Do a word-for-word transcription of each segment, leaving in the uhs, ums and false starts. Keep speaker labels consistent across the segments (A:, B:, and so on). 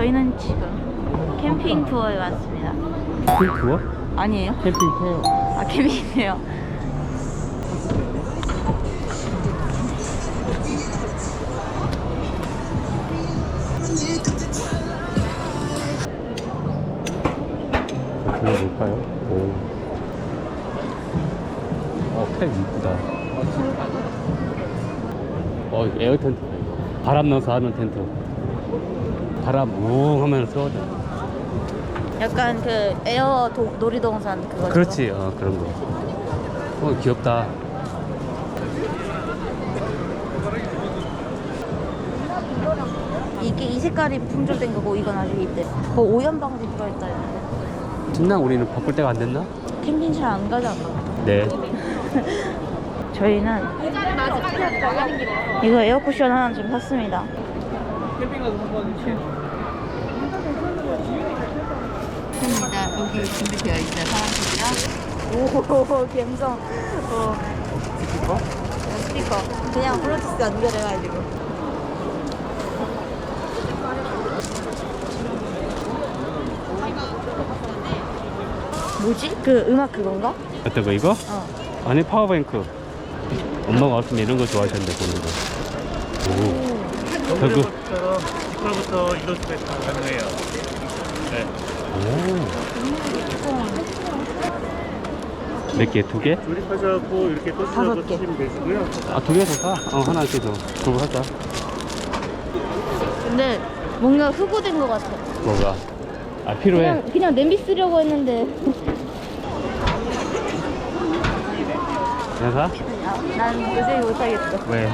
A: 저희는 지금 캠핑 투어에 왔습니다.
B: 캠핑 투어?
A: 아니에요?
B: 캠핑 투어.
A: 아, 캠핑이에요.
B: 이거 뭘까요? 오. 어, 팩 이쁘다. 어, 이거 에어 텐트다, 이거. 바람 넣어서 하는 텐트. 바람 웅 하면 쏘거든.
A: 약간 그 에어 도, 놀이동산 그거.
B: 그렇지, 어, 그런 거. 어, 귀엽다.
A: 이게 이 색깔이 품절된 거고 이건 아직 있대. 뭐 오염 방지 들어있다 했는데.
B: 진나 우리는 바꿀 때가 안 됐나?
A: 캠핑 잘 안 가지 않나?
B: 네.
A: 저희는 이거 에어쿠션 하나 좀 샀습니다.
C: 캠핑 가서 한번 이렇게
A: 습니다. 여기 준비되어 있어요. 사람들이랑. 오, 감성. 어. 스피커? 어, 스피커. 그냥 블루투스 연결해가지고. 뭐지? 그 음악 그건가?
B: 어떤 거, 이거?
A: 어.
B: 안에 파워뱅크. 엄마가 왔으면 이런 거 좋아하셨는데, 보는 거. 오. 저거.
C: 것처럼 스피커부터 이동 수가 가능해요. 네.
B: 오. 몇 개? 두 개?
C: 조립하셔갖고 이렇게
A: 다섯
C: 토스하고
A: 개.
C: 쓰시면 되시고요.
B: 아, 두 개 더 사? 어, 하나 이렇게 더. 그거 하자.
A: 근데 뭔가 흑우된 것 같아.
B: 뭐가? 아, 필요해.
A: 그냥, 그냥 냄비 쓰려고 했는데.
B: 그냥 사?
A: 아, 난 도저히 못하겠어.
B: 왜?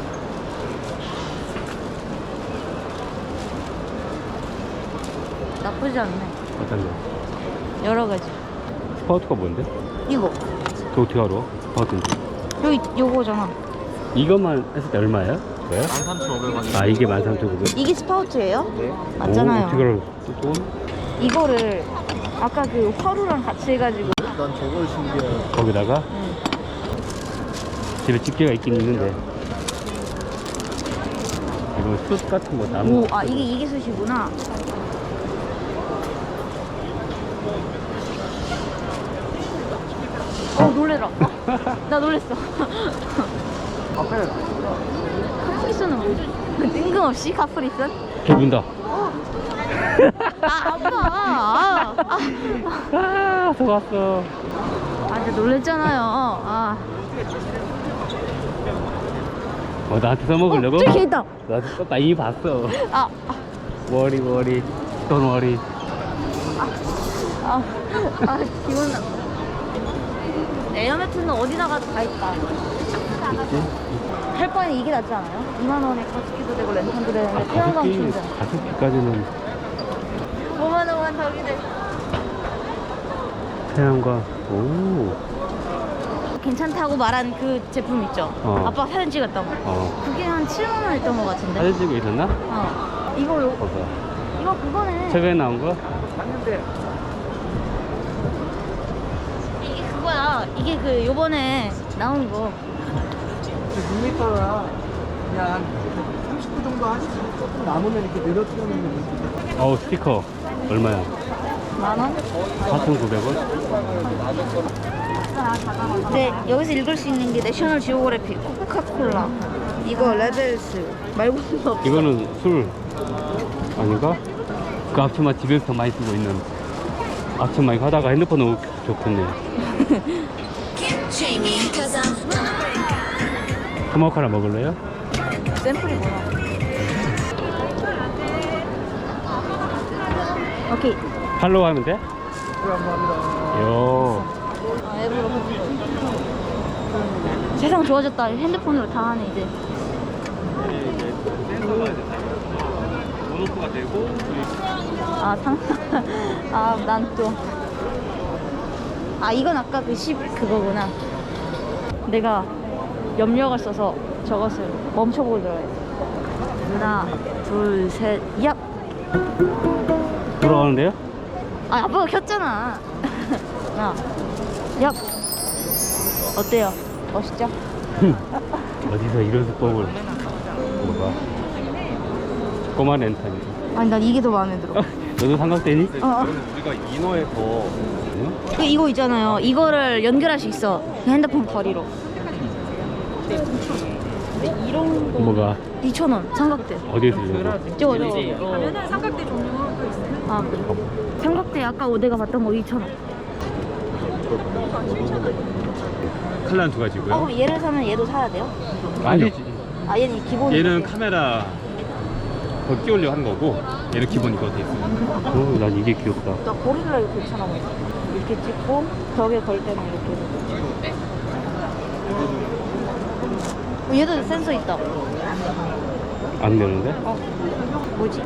A: 나쁘지 않네.
B: 어떤 거?
A: 여러 가지.
B: 스파우트가 뭔데?
A: 이거.
B: 그거 어떻게 알아? 스파우트인지.
A: 여기 요거잖아.
B: 이것만 했을 때 얼마예요? 왜요?
C: 만 삼천오백 원.
B: 아, 이게 만 삼천구백 원.
A: 이게 스파우트예요?
C: 네.
A: 맞잖아요.
B: 오, 어떻게 알아? 돈?
A: 이거를 아까 그 화로랑 같이 해가지고.
C: 난 저걸 신기해.
B: 거기다가
A: 응.
B: 집에 집게가 있긴 있는데. 이거 숯 같은 거 나무.
A: 오, 아 이게 이게 숯이구나. 어 놀래라. 나 놀랬어.
C: 앞에
A: 카프리선은 뭐지? 뜬금없이 카프리선?
B: 개 문다.
A: 아 아빠. 아, 아,
B: 아, 속았어.
A: 아 진짜 놀랬잖아요. 아.
B: 어, 나한테 써먹으려고?
A: 어, 저기 걔 있다.
B: 나한테 썼다. 이미 봤어.
A: 아, 아,
B: 워리, 워리. 돈 워리.
A: 아, 아 기분 나. 에어매트는 어디나 가도 다 있다.
B: 있지?
A: 할 바에 이게 낫지 않아요? 이만 원에 가습기도 되고 랜턴도 되는데
B: 아,
A: 태양광
B: 가습기,
A: 충전.
B: 가습기까지는
A: 오만 원만 더 기대.
B: 태양광. 오.
A: 괜찮다고 말한 그 제품 있죠?
B: 어.
A: 아빠 사진 찍었던 거.
B: 어.
A: 그게 한 칠만 원 했던 거 같은데.
B: 사진 찍고 있었나?
A: 어. 이거 요,
B: 봐봐.
A: 이거 그거네.
B: 최근에 나온 거?
C: 봤는데
A: 이게 그거야. 이게 그 요번에 나온 거.
C: 육 미터라 그냥 한 삼십 분 정도 하시고 조금 남으면 이렇게 늘어뜨리는 거.
B: 어우, 스피커. 얼마야?
A: 만 원?
B: 사천구백 원?
A: 네, 여기서 읽을 수 있는 게 내셔널 지오그래픽, 코카콜라, 이거 레벨스 말고는 없어.
B: 이거는 술 아닌가? 그 앞치마 집에서 더 많이 쓰고 있는 앞치마 이거 하다가 핸드폰 너무 좋겠네. 토마호크 하나 먹을래요?
A: 샘플이 뭐야? 오케이.
B: 팔로우 하면 돼?
C: 감사합니다.
B: 요.
A: 아, 앱으로 보는 거. 세상 좋아졌다. 핸드폰으로 다 하네 이제.
B: 온오프가 되고
A: 아 상. 아 난 또. 아 이건 아까 그 십 그거구나. 내가 염력을 써서 저것을 멈춰보도록 해. 하나, 둘, 셋, 얍.
B: 돌아가는데요?
A: 아 아빠가 켰잖아. 하나, 얍. 어때요? 멋있죠?
B: 어디서 이런 수법을 뭐가 꼬마 렌탈이
A: 아니 난 이게 더 마음에 들어.
B: 너도 삼각대니?
A: 어, 어.
D: 우리가 인어에서
A: 그 이거 있잖아요. 이거를 연결할 수 있어. 그 핸드폰 거리로. 이런 거
B: 뭐가?
A: 이천 원 삼각대.
B: 어디에 쓰려고?
A: 저거 저거. 가면은 삼각대 종류가 또 있어요. 아 그래. 삼각대 아까 내가 봤던 거 이천 원.
B: 컬러는 두 가지고요.
A: 어 그럼 얘를 사면 얘도 사야 돼요?
B: 아니지.
A: 아 얘는 기본.
B: 얘는 카메라 거 끼우려고 하는 거고 얘는 기본 이거 돼 있어요. 어, 난 이게 귀엽다.
A: 나 고릴라 이거 괜찮아 보여. 이렇게 찍고 벽에 걸 때는 이렇게. 어, 얘도 센서 있다.
B: 안 되는데?
A: 어 뭐지?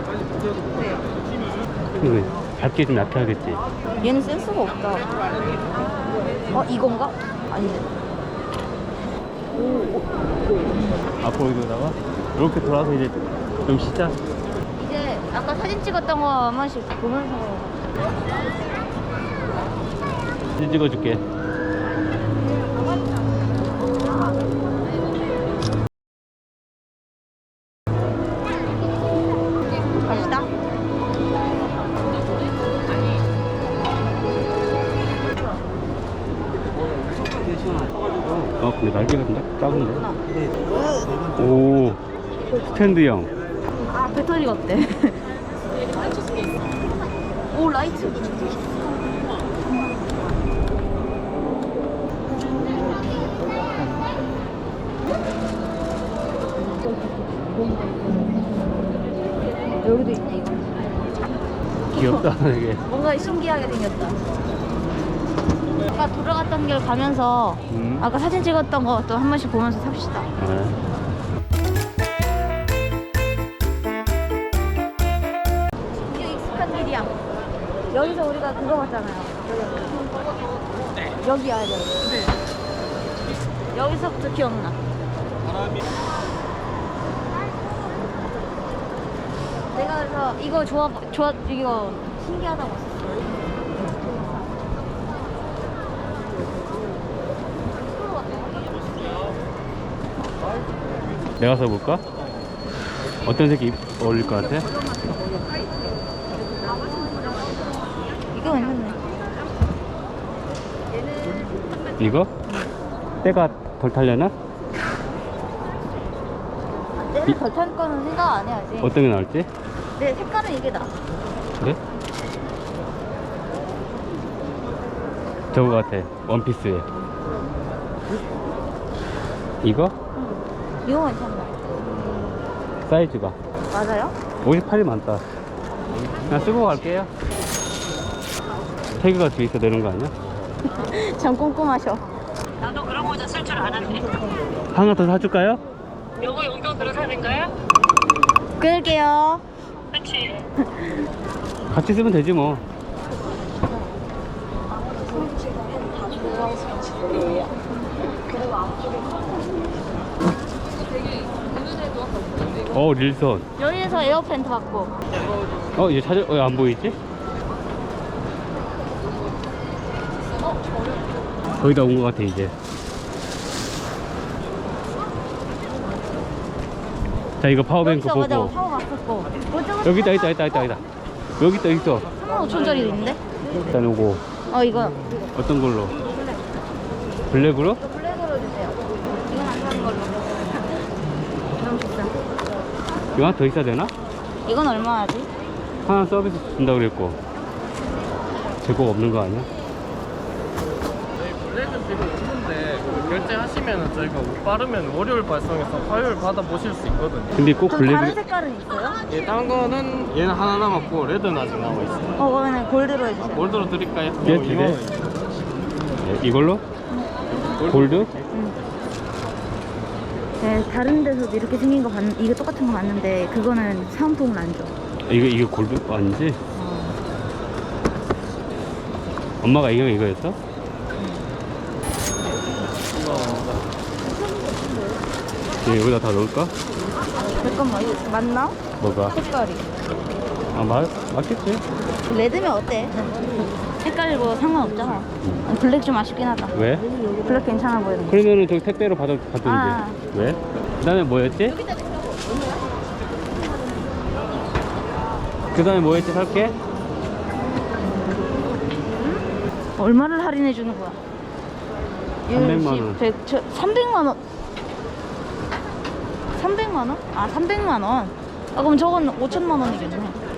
B: 근데 작게 좀 약해 하겠지.
A: 얘는 센서가 없다. 어 이건가? 아니네.
B: 앞으로 여기다가 이렇게 돌아서 이제 좀 쉬자.
A: 이제 아까 사진 찍었던 거 한 번씩 보면서.
B: 사진 찍어줄게.
A: 갑시다.
B: 어 근데 날개가 좀 작- 작은데? 오 스탠드형.
A: 아 배터리가 어때? 오 라이트. 여기도 있네 이거.
B: 귀엽다 이게.
A: 뭔가 신기하게 생겼다. 아까 돌아갔던 길 가면서
B: 음.
A: 아까 사진 찍었던 거 또 한 번씩 보면서 삽시다.
B: 네.
A: 이게 익숙한 길이야. 여기서 우리가 그거 봤잖아요. 여기. 여기 와야 돼. 여기서부터 기억나. 내가 그래서 이거 좋아, 좋아, 이거 신기하다고 했었어.
B: 내가 써볼까? 어떤 색이 입- 어울릴 것 같아?
A: 이거 괜찮네.
B: 이거? 때가 덜 탈려나?
A: 내가 덜탄 거는 생각 안 해야지.
B: 어떤 게 나올지?
A: 내 색깔은 이게 나.
B: 그래? 저거 같아. 원피스에. 이거?
A: 이거 괜찮나?
B: 사이즈가.
A: 맞아요?
B: 오십팔이 많다. 그냥 쓰고 갈게요. 태그가 뒤에 있어 되는 거 아니야?
A: 참 꼼꼼하셔.
E: 나도 그런 모자 쓸 줄 아는데.
B: 하나 더 사줄까요?
E: 요거 용돈 들어 사는 거야?
A: 끊을게요.
E: 그치?
B: 같이 쓰면 되지 뭐. 어 릴선.
A: 여기에서 에어팬트 받고.
B: 어 얘 찾아 왜 안 보이지? 거의 다 온 것 같아 이제. 자 이거 파워뱅크
A: 여기서 맞아
B: 보고.
A: 파워 바꿨고.
B: 여기 있다 있다 있다 있다 있다. 여기 있다 있어.
A: 삼만 오천짜리도 있는데?
B: 일단 요거
A: 어 이거.
B: 어떤 걸로? 블랙으로?
A: 이거 블랙으로 주세요. 이건 안 사는 걸로. 너무 비싸.
B: 이거 하나 더 있어야 되나?
A: 이건 얼마 하지?
B: 하나 서비스 준다고 그랬고 재고가 없는 거 아니야?
D: 블랙은 지금 없는데 결제하시면은 저희가 옷 빠르면 월요일 발송해서 화요일 받아 보실 수 있거든요.
B: 근데 꼭
A: 그럼 다른
B: 블랙
A: 색깔은 있어요?
D: 예, 다른 거는 얘는 하나 남았고 레드는 아직 남아 있어요.
A: 어 그러면 골드로 해주세요.
D: 뭘 들어 드릴까요?
B: 예,
D: 이거
B: 두 개.
D: 이만 원이죠.
B: 네, 이걸로? 골드?
A: 네, 다른 데서도 이렇게 생긴 거 봤, 이게 똑같은 거 봤는데 그거는 사은품은 안 줘.
B: 이거 이거 골드 아니지? 엄마가 이거 이거였어? 예, 여기다 다 넣을까?
A: 잠깐만 이거 맞나?
B: 뭐가?
A: 색깔이.
B: 아 맞, 맞겠지?
A: 레드면 어때? 색깔이고 상관없잖아. 블랙 좀 아쉽긴 하다.
B: 왜?
A: 블랙 괜찮아 보이는 거.
B: 그러면은 저기 택배로 받아, 받던지
A: 아.
B: 왜? 그 다음에 뭐였지? 그 다음에 뭐 했지 살게?
A: 얼마를 할인해 주는 거야?
B: 삼백만 원.
A: 백, 저, 삼백만 원. 삼백만 원? 아, 삼백만 원. 아, 그럼 저건 오천만 원이겠네.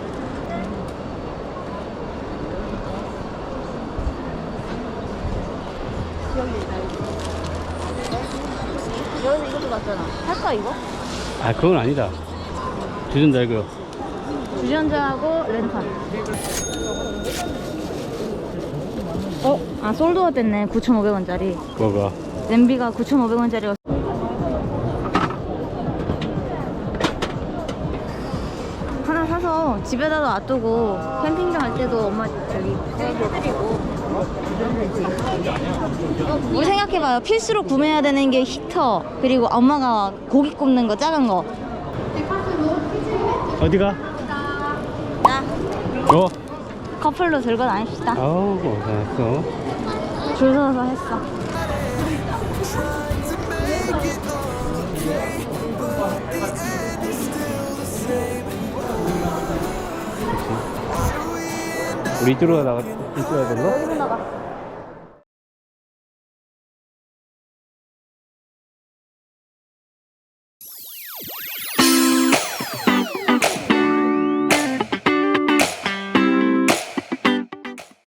A: 여기서 이것도 났잖아. 할까, 이거?
B: 아 그건 아니다. 주전자 이거.
A: 주전자하고 랜턴. 어? 아, 솔드아웃 됐네. 구천오백 원짜리.
B: 뭐가?
A: 냄비가 구천오백 원짜리가. 하나 사서 집에다 놔두고 캠핑장 갈 때도 엄마 저기 해드리고 뭐 생각해봐요. 필수로 구매해야 되는 게 히터, 그리고 엄마가 고기 굽는 거 작은 거.
B: 어디가?
A: 나
B: 어?
A: 커플로 들고 다닙시다.
B: 아우 고생했어.
A: 줄 서서 했어.
B: 우리 이쪽으로 나가 이쪽으로 가야 되나?
A: 여기로 나가.